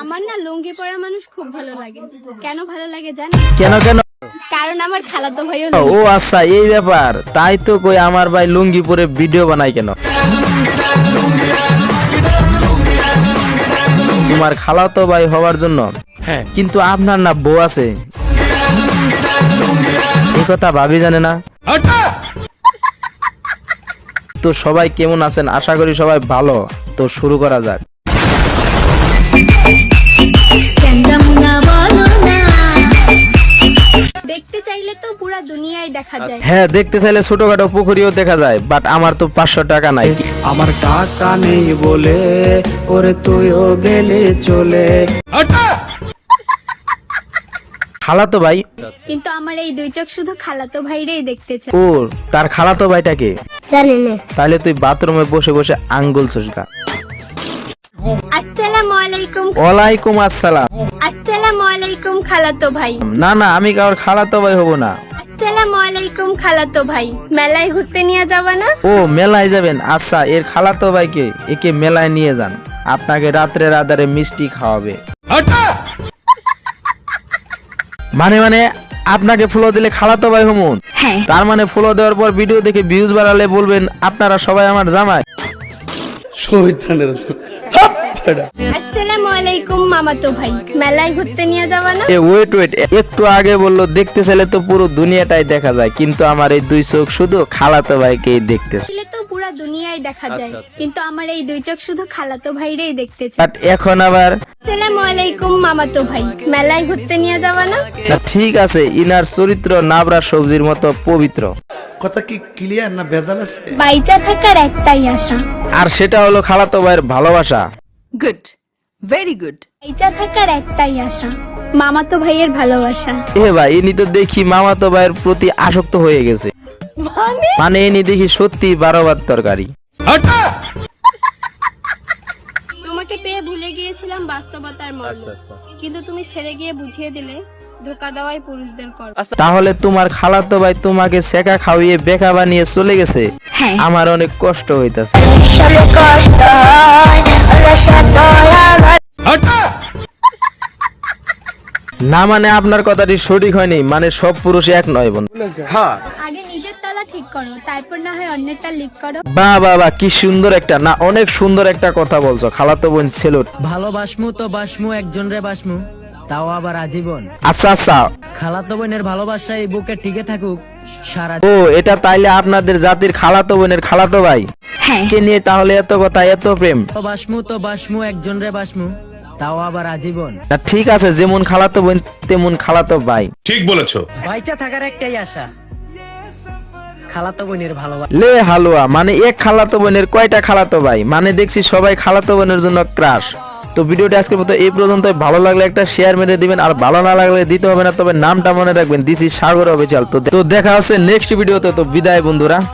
আমার না লুঙ্গি পরা মানুষ খুব ভালো লাগে। কেন ভালো লাগে জানেন? কেন কেন? কারণ আমার খালাতো ভাইও ও আচ্ছা, এই ব্যাপার। তাই তো কই আমার ভাই লুঙ্গি পরে ভিডিও বানায় কেন? তোমার খালাতো ভাই হওয়ার জন্য। হ্যাঁ, কিন্তু আপনার না বউ আছে, এই কথা ভাবি জানে না। তো সবাই কেমন আছেন? আশা করি সবাই ভালো। তো শুরু করা যাক। দেখতে চাইলে তো পুরা দুনিয়ায় দেখা যায়। হ্যাঁ, দেখতে চাইলে ছোটখাটো পুকুরিও দেখা যায়, বাট আমার তো 500 টাকা নাই। আমার টাকা নেই বলে ওরে তুইও গেলে চলে। খালাতো ভাই? কিন্তু আমার এই দুই চোখ শুধু খালাতো ভাইরেই দেখতে চায়। ও, তার খালাতো ভাইটাকে জানি না। তাহলে তুই বাথরুমে বসে বসে আঙ্গুল চুষগা। আসসালামু আলাইকুম। ওয়ালাইকুম আসসালাম। আসসালামু আলাইকুম খালাতো ভাই। না না, আমি কারোর খালাতো ভাই হব না। আসসালামু আলাইকুম খালাতো ভাই। মেলায় ঘুরতে নিয়ে যাবা না? ও, মেলায় যাবেন? আচ্ছা, এর খালাতো ভাইকে একে মেলায় নিয়ে যান, আপনাকে রাত্রে রাধারে মিষ্টি খাওয়াবে। মানে মানে আপনাকে ফলো দিলে খালাতো ভাই হমুন? হ্যাঁ। তার মানে ফলো দেওয়ার পর ভিডিও দেখে ভিউজ বাড়ালে বলবেন আপনারা সবাই আমার জামাই। আসসালামু আলাইকুম মামাতো ভাই। মেলায় ঘুরতে নিয়ে যাবা না? এ ওয়েট ওয়েট, একটু আগে বললো দেখতে চাইলে তো পুরো দুনিয়াটাই দেখা যায়, কিন্তু আমার এই দুই চোখ শুধু খালাতো ভাইকেই দেখতেছে। আসলে তো পুরা দুনিয়ায় দেখা যায়, কিন্তু আমার এই দুই চোখ শুধু খালাতো ভাইরেই দেখতে চায়। বাট এখন আবার আসসালামু আলাইকুম মামাতো ভাই। মেলায় ঘুরতে নিয়ে যাবা না? না, ঠিক আছে, ইনার চরিত্র নাবরা সবজির মতো পবিত্র। কথা কি ক্লিয়ার না ভেজাল আছে? বাইচা থাকার একটাই আশা। আর সেটা হলো খালাতো ভাইয়ের ভালোবাসা। Good. Very good. বাইচা থাকার একটাই আশা, মামাতো ভাইয়ের ভালোবাসা। এ ভাই, ইনি তো দেখি মামাতো ভাইয়ের প্রতি আসক্ত হয়ে গেছে। মানে ইনি দেখি সত্যি 12 ভাত তরকারি। তোমাকে পেয়ে ভুলে গিয়েছিলাম বাস্তবতার মর্ম, কিন্তু তুমি ছেড়ে গিয়ে বুঝিয়ে দিলে ধোকা দেওয়াই পুরুষদের কর্ম। তাহলে তোমার খালাতো ভাই তোমাকে সেকা খাওয়িয়ে বেকা বানিয়ে চলে গেছে? হ্যাঁ। আমার অনেক কষ্ট হইতাছে। না মানে আপনার কথাটি সঠিক হয়নি, মানে সব পুরুষ এক নয় বোন। আগে নিজের তালা ঠিক করো, তারপর না হয় অন্যেরটা লিক করো। বাহ বাহ বাহ, কি সুন্দর একটা, না অনেক সুন্দর একটা কথা বলছো। খালাতো বোন ছেলুট। ভালোবাসমু তো বাসমু একজন রে বাসমু, তাও আবার আজীবন। আচ্ছা আচ্ছা, খালাতো বোনের ভালোবাসা এই বুকে টিকে থাকুক সারা। ও এটা তাইলে আপনাদের জাতির খালাতো বোনের খালাতো ভাই কে নিয়ে তাহলে এত কথা, এত প্রেম? বাসমু তো বাসমু একজন রে বাসমু, তাও আবার আজীবন। না ঠিক আছে, যেমন খালাতো বোন তেমন খালাতো ভাই। ঠিক বলেছো। বাইচা থাকার একটাই আশা, খালাতো বোনের ভালোবাসা। লে হালুয়া, মানে এক খালাতো বোনের কয়টা খালাতো ভাই? মানে দেখছি সবাই খালাতো বোনের জন্য ক্রাশ। তো ভিডিওটা আজকের মতো এই পর্যন্ত। ভালো লাগলে একটা শেয়ার মেরে দিবেন, আর ভালো না লাগলে দিতে হবে না, তবে নামটা মনে রাখবেন, দিস ইজ সাগর অফিসিয়াল। তো দেখা হচ্ছে নেক্সট ভিডিওতে। তো বিদায় বন্ধুরা।